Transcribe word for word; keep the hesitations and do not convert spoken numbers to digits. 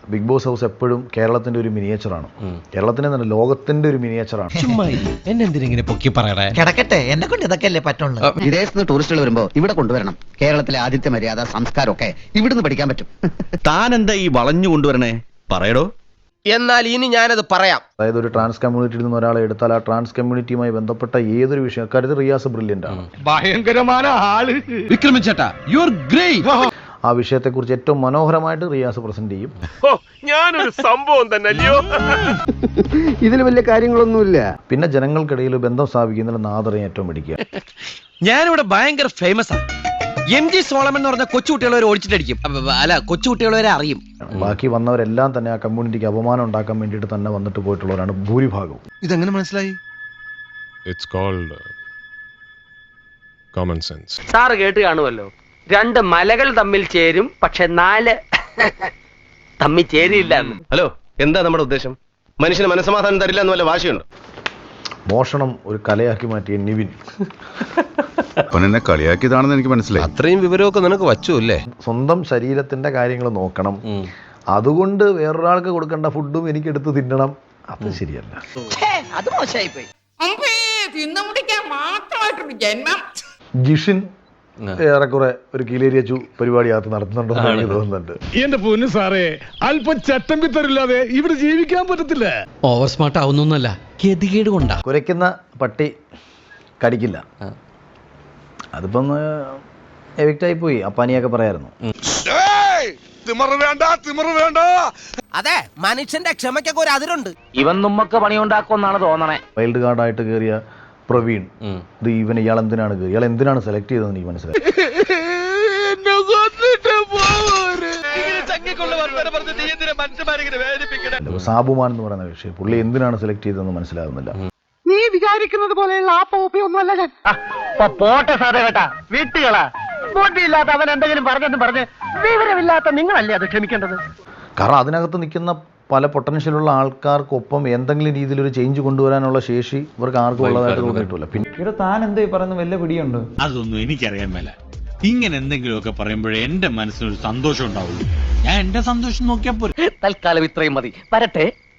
Big boss house എപ്പോഴും കേരളത്തിന്റെ ഒരു മിനിയേച്ചറാണ്. കേരളത്തിന്റെ തന്നെ ലോകത്തിന്റെ ഒരു മിനിയേച്ചറാണ്. എന്നെന്തിനെ പൊക്കി പറയണേ? കിടക്കട്ടെ, എന്നെ കൊണ്ട് ഇതൊക്കെ അല്ലേ പറ്റുള്ളൂ. വിദേശത്ത് നിന്ന് ടൂറിസ്റ്റുകൾ വരുമ്പോ ഇവിടെ കൊണ്ടുവരണം. കേരളത്തിലെ ആതിഥ്യ മര്യാദ സംസ്കാരം ഒക്കെ ഇവിടുന്ന് പഠിക്കാൻ പറ്റും. താൻ എന്താ ഈ വളഞ്ഞു കൊണ്ടുവരണേ? പറയടോ. എന്നാൽ ഇനി ഞാനത് പറയാം. അതായത് ഒരു ട്രാൻസ് കമ്മ്യൂണിറ്റിയിൽ നിന്ന് ഒരാളെ എടുത്താൽ ആ ട്രാൻസ് കമ്മ്യൂണിറ്റിയുമായി ബന്ധപ്പെട്ട ഏതൊരു വിഷയം അക്കാര്യത്തിൽ റിയാസ് ബ്രില്യന്റ് ആണ്. ഭയങ്കരമായ ആള് വിക്രമിച്ചേട്ടാ, യു ആർ ഗ്രേറ്റ്. ആ വിഷയത്തെക്കുറിച്ച് ഏറ്റവും മനോഹരമായിട്ട് റിയാസ് പ്രസന്റ് ചെയ്യും. ഞാനൊരു സംഭവം തന്നെ അല്ലയോ. ഇതിൽ വലിയ കാര്യങ്ങളൊന്നുമില്ല. പിന്നെ ജനങ്ങൾക്കിടയിൽ ബന്ധം സ്ഥാപിക്കുന്നതിൽ നാദറിനെ ഏറ്റവും പിടിക്കുക. ഞാനിവിടെ ഭയങ്കര ഫേമസ് ആണ്. എം ജി സോളമൻ എന്ന് പറഞ്ഞ കൊച്ചുകുട്ടികളെ വരെ ഓടിച്ചിട്ടടിക്കും. അല്ല, കൊച്ചുകുട്ടികളെ വരെ അറിയും. ബാക്കി വന്നവരെല്ലാം തന്നെ ആ കമ്മ്യൂണിറ്റിക്ക് അപമാനം ഉണ്ടാക്കാൻ വേണ്ടിയിട്ട് തന്നെ വന്നിട്ട് പോയിട്ടുള്ളവരാണ് ഭൂരിഭാഗവും. ഇതെങ്ങനെ മനസ്സിലായി? It's called common sense. Sir കേട്ട് കാണുമല്ലോ, രണ്ട് മലകൾ തമ്മിൽ ചേരും, പക്ഷെ നാല് തമ്മിൽ ചേരിയില്ല. ഹലോ, എന്താ നമ്മുടെ ഉദ്ദേശം? മനുഷ്യന് മനസ്സമാധാനം തരില്ല എന്ന് വല്ല വാശിയുണ്ട്? മോഷണം ഒരു കലയാക്കി മാറ്റിയ നിവിൻ. എന്നെ കളിയാക്കിയതാണെന്ന് എനിക്ക് മനസ്സിലായി. അത്രയും വിവരമൊക്കെ നിനക്ക് വച്ചു അല്ലേ? സ്വന്തം ശരീരത്തിന്റെ കാര്യങ്ങൾ നോക്കണം, അതുകൊണ്ട് വേറൊരാൾക്ക് കൊടുക്കേണ്ട ഫുഡും എനിക്ക് എടുത്ത് തിന്നണം. അത് ശരിയല്ല. അത് മോശമായി പോയി. ജിഷിൻ ഏറെക്കുറെ ഒരു കീലേരിയച്ചു പരിപാടിയകത്ത് നടത്തുന്നുണ്ടെന്ന് എനിക്ക് തോന്നുന്നുണ്ട്. എന്റെ പൊന്നു സാറേ, അല്പം ചട്ടം പിത്തരില്ലാതെ ഇവിടെ ജീവിക്കാൻ പറ്റത്തില്ല. ഓവർ സ്മാർട്ട് ആവുന്നൊന്നല്ല, ഗതികേട് കൊണ്ടാ. കുരയ്ക്കുന്ന പട്ടി കടിക്കില്ല. അതിപ്പം എവിക്റ്റായി പോയി. അപ്പാനിയൊക്കെ പറയായിരുന്നു. അതെ, മനുഷ്യന്റെ ക്ഷമയ്ക്കൊക്കെ ഒരു അതിരുണ്ട്. ഇവൻ നമ്മക്ക് പണിയുണ്ടാക്കുമെന്നാണ് തോന്നണേ. വൈൽഡ് കാർഡായിട്ട് കയറിയ പ്രവീൺ, ഇത് ഇവൻ ഇയാൾ എന്തിനാണ് കയറി, ഇയാൾ എന്തിനാണ് സെലക്ട് ചെയ്തതെന്ന് എനിക്ക് മനസ്സിലായി. സാബുമാൻ എന്ന് പറയുന്ന കക്ഷി, പുള്ളി എന്തിനാണ് സെലക്ട് ചെയ്തതെന്ന് മനസ്സിലാകുന്നില്ല. നീ വിചാരിക്കുന്നത് പോലെയുള്ള ആ പോപ്പിയൊന്നുമല്ല ഞാൻ. പോട്ടെ സാറേ കേട്ടാ, വീട്ടുകളാ ബോട്ടിയില്ലാത്ത അവൻ എന്തെങ്കിലും പറഞ്ഞെന്ന് പറഞ്ഞ് വിവരമില്ലാത്ത നിങ്ങളല്ലേ അത് ക്ഷമിക്കേണ്ടത്. കാരണം അതിനകത്ത് നിൽക്കുന്ന പല പൊട്ടൻഷ്യലുള്ള ആൾക്കാർക്കൊപ്പം എന്തെങ്കിലും രീതിയിൽ ഒരു ചേഞ്ച് കൊണ്ടുവരാനുള്ള ശേഷി ഇവർക്ക് ആർക്കും ഉള്ളതായിട്ട് തോന്നിയിട്ടില്ല. പിന്നെ താൻ എന്താ ഈ പറയുന്ന വല്ല പിടിയുണ്ട്? അതൊന്നും എനിക്കറിയാൻ മേല. ഇങ്ങനെ എന്തെങ്കിലുമൊക്കെ പറയുമ്പോഴേ എന്റെ മനസ്സിനൊരു സന്തോഷം ഉണ്ടാവുള്ളൂ. ഞാൻ എന്റെ സന്തോഷം നോക്കിയാൽ പോരെ. തൽക്കാലം ഇത്രയും മതി. വരട്ടെ.